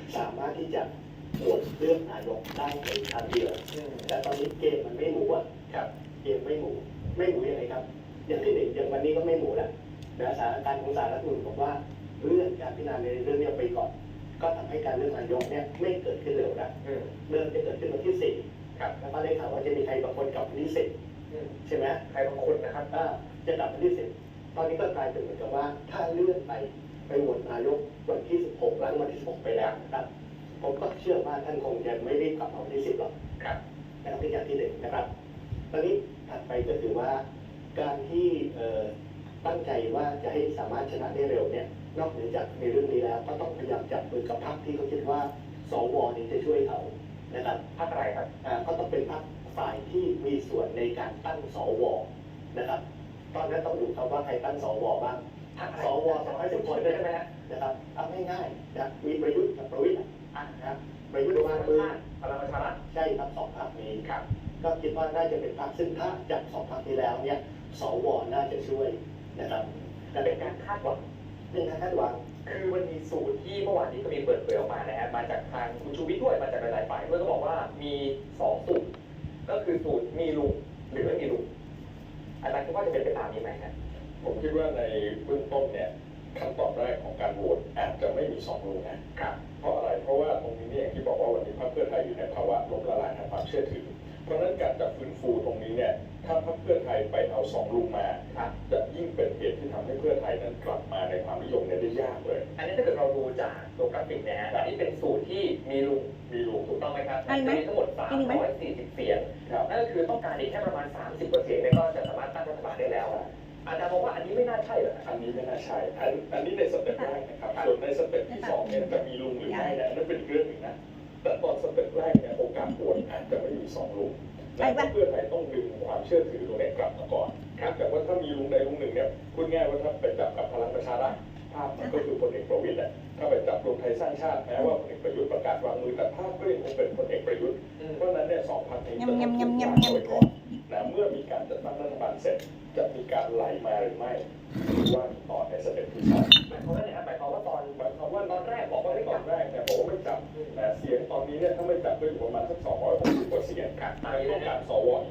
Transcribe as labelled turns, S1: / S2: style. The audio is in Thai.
S1: สามารถที่จะโหวตเลือกนายกได้ในครั้งเดียวแต่ตอนนี้เกมมันไม่หมูอ่ะครับเกมไม่หมูยังไงครับอย่างที่หนึ่งอย่างวันนี้ก็ไม่หมูแล้วนะสถานการณ์ของศาลรัฐธรรมนูญบอกว่าเลื่อนการพิจารณาในเรื่องนี้ไปก่อนก็ทำให้การเลือกนายกเนี่ยไม่เกิดขึ้นเร็วนะเริ่มจะเกิดขึ้นวันที่4ครับแล้วก็ได้ข่าวว่าจะมีใครบางคนกลับวันที่10ใช่ไหมใครบางคนนะครับจะกลับวันที่10ตอนนี้ก็กลายเป็นเหมือนกับว่าถ้าเลื่อนไปโหวตนายกวันที่16หลังวันที่16ไปแล้วนะครับผมก็เชื่อว่าท่านคงจะไม่รีบกลับมาวันที่10หรอกครับนะครับเป็นอย่างที่หนึ่งนะครับตอนนี้ถัดไปก็คือว่าการที่ตั้งใจว่าจะให้สามารถชนะได้เร็วเนี่ยนอกเหนือจากในเรื่องนี้แล้วก็ต้องพยายามจับมือกับพรรคที่เขาคิดว่าสวนี่จะช่วยเขานะครับพรรคอะไรครับก็ต้องเป็นพรรคฝ่ายที่มีส่วนในการตั้งสวนะครับตอนนั้นต้องดูครับว่าใครตั้งสวบ้างสว210 คนได้ไหมฮะนะครับเอาง่ายๆนะมีประยุทธ์กับประวิตรนะครับประยุทธ์มามือพลังประชารัฐใช่ครับ2 พรรคนี้ครับก็คิดว่าน่าจะเป็นพรรคซึ่งถ้าจับ2 พรรคนี้แล้วเนี่ยสวน่าจะช่วยนะครับแต่เป็นการคาดหวังคือมันมีสูตรที่เมื่อวานนี้ก็มีเปิดเผยออกมานะฮะมาจากทางคุณชูวิทย์ด้วยมาจากหลายฝ่ายด้วยก็บอกว่ามี2 สูตรก็คือสูตรมีลุงหรือไม่มีลุงอาจารย์คิดว่าจะเป็นไปตามนี้ไหมครับ
S2: ผมคิดว่าในเบื้องต้นเนี่ยขั้นตอนแรกของการโหวตอาจจะไม่มี2 ลุงนะครับเพราะอะไรเพราะว่าตรงนี้เนี่ยอย่างที่บอกว่าวันนี้พรรคเพื่อไทยอยู่ในภาวะล้มละลายทางความเชื่อถือเพราะฉะนั้นการจะฟื้นฟูตรงนี้เนี่ยถ้าพรรคเพื่อไทยไปเอา2 ลุงมาจะยิ่งเป็นเหตุที่ทำให้เพื่อไทยนั้นกลับมาในความนิยมเนี่ยได้ยากเลย
S1: อันนี้ถ้าเกิดเราดูจากตัวกราฟิกนะฮะอันนี้เป็นสูตรที่มีลุงถูกต้องไหมครับมีทั้งหมด340 เสียงนั่นก็คือต้องการอีกแค่ประมาณ30%เนี่ยก็จะสามารถตั้งรัฐบาลได้แล้วอาจารย์บอกว่าอันนี้ไม่น่าใช่เหรอ
S2: อันนี้ไม่น่าใช่อันนี้ในสเต็ปแรกนะครับส่วนในสเต็ปที่2เนี่ยจะมีลุงหรือไม่เนี่ยนั่นเป็นเรื่องหนึ่งนะแต่ตอนสเต็ปแรกเนี่ยโอกาสโหวตอาจจะไม่มี2 ลุงและเพื่อไทยต้องดึงความเชื่อถือตรงนี้กลับมาก่อนแต่ว่าถ้ามีลุงใดลุงหนึ่งเนี่ยพูดง่ายว่าถ้าไปจับกับพลังประชารัฐภาพมันก็คือพลเอกประวิตรแหละถ้าไปจับรวมไทยสร้างชาติแม้ว่าพลเอกประยุทธ์ประกาศวางมือแต่ภาพก็ยังคงเป็นพลเอกประยุทธ์เพราะนั้นเนี่ย2 พรรคนี้จะต้องถูกวางเอาไว้ก่อนนะเมื่อมีการจัดตั้งรัฐบาลเสร็จจะมีการไหลมาหรือไม่ว่าต่อในสเต็ปที่2
S1: หมายความว่าไงครับหมายความว่าตอนแรกบอกว่าไม่
S2: ตอนแรกเนี่ยบอกว่าไม่จับแต่เสียงตอนนี้เนี่ยถ้าไม่จับก็อยู่ประมาณสัก260 กว่าเสียงต้องการสว